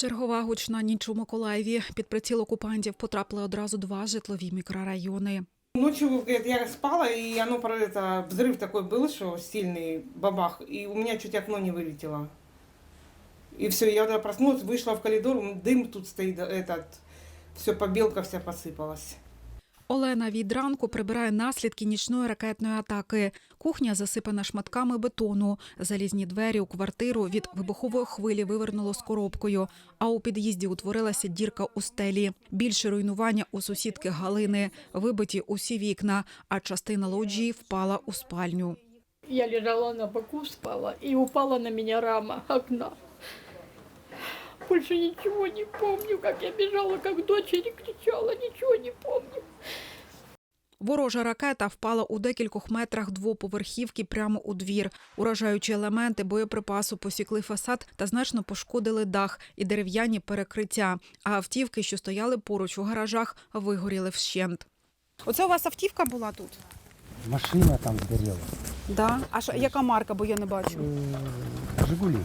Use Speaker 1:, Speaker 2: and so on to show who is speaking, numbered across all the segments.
Speaker 1: Чергова гучна ніч у Миколаєві. Під приціл окупантів потрапили одразу два житлові мікрорайони.
Speaker 2: Ночью я спала, и взрыв такой был, что сильный бабах, и у меня чуть окно не вылетело. И все, я тогда проснулась, вышла в коридор, дым тут стоит, все, побелка вся посыпалась.
Speaker 1: Олена від ранку прибирає наслідки нічної ракетної атаки. Кухня засипана шматками бетону. Залізні двері у квартиру від вибухової хвилі вивернуло з коробкою, а у під'їзді утворилася дірка у стелі. Більше руйнування у сусідки Галини. Вибиті усі вікна, а частина лоджії впала у спальню.
Speaker 3: Я лежала на боку, спала, и упала на меня рама окна. Больше ничего не помню, как я бежала, как дочери кричала, ничего не помню.
Speaker 1: Ворожа ракета впала у декількох метрах двоповерхівки прямо у двір. Уражаючі елементи боєприпасу посікли фасад та значно пошкодили дах і дерев'яні перекриття. А автівки, що стояли поруч у гаражах, вигоріли вщент.
Speaker 4: Оце у вас автівка була тут?
Speaker 5: Машина там сгорела.
Speaker 4: Да. А яка марка, бо я не бачу?
Speaker 5: «Жигули».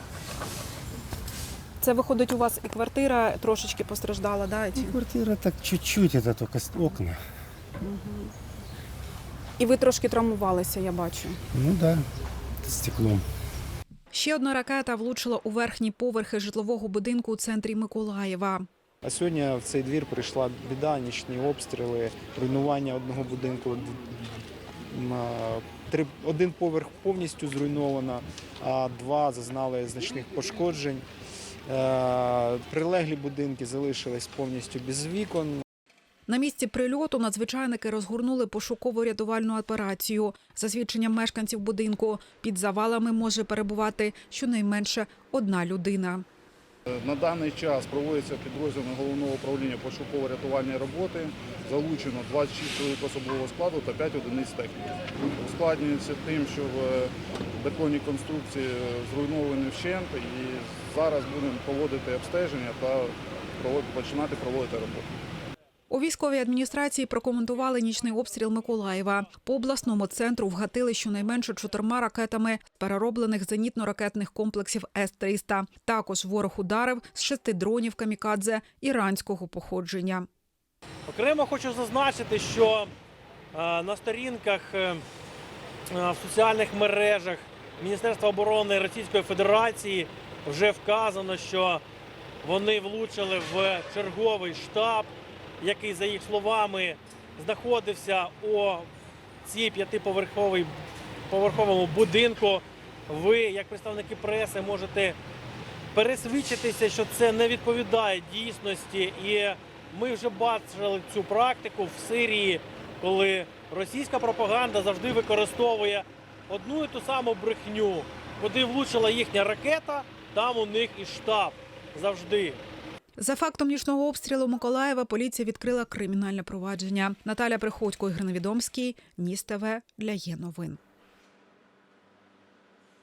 Speaker 4: Це виходить, у вас і квартира трошечки постраждала, да?
Speaker 5: Квартира так чуть-чуть, это только окна.
Speaker 4: І ви трошки травмувалися, я бачу.
Speaker 5: Ну да, стеклом.
Speaker 1: Ще одна ракета влучила у верхні поверхи житлового будинку у центрі Миколаєва.
Speaker 6: А сьогодні в цей двір прийшла біда, нічні обстріли, руйнування одного будинку. Один поверх повністю зруйновано, а два зазнали значних пошкоджень. Прилеглі будинки залишились повністю без вікон.
Speaker 1: На місці прильоту надзвичайники розгорнули пошуково-рятувальну операцію. За свідченням мешканців будинку, під завалами може перебувати щонайменше одна людина.
Speaker 7: На даний час проводиться підрозділами Головного управління пошуково-рятувальної роботи. Залучено 26 чоловік особового складу та 5 одиниць техніки. Ускладнюється тим, що бетонні конструкції зруйновані вщент, і зараз будемо проводити обстеження та починати проводити роботу.
Speaker 1: У військовій адміністрації прокоментували нічний обстріл Миколаєва. По обласному центру вгатили щонайменше 4 ракетами перероблених зенітно-ракетних комплексів С-300. Також ворог ударив з 6 дронів камікадзе іранського походження.
Speaker 8: Окремо хочу зазначити, що на сторінках в соціальних мережах Міністерства оборони Російської Федерації вже вказано, що вони влучили в черговий штаб, який, за їх словами, знаходився у цій 5-поверховому будинку. Ви, як представники преси, можете пересвідчитися, що це не відповідає дійсності. І ми вже бачили цю практику в Сирії, коли російська пропаганда завжди використовує одну і ту саму брехню. Куди влучила їхня ракета, там у них і штаб. Завжди.
Speaker 1: За фактом нічного обстрілу Миколаєва поліція відкрила кримінальне провадження. Наталя Приходько, Ігор Невідомський, Ніс ТВ для Є новин.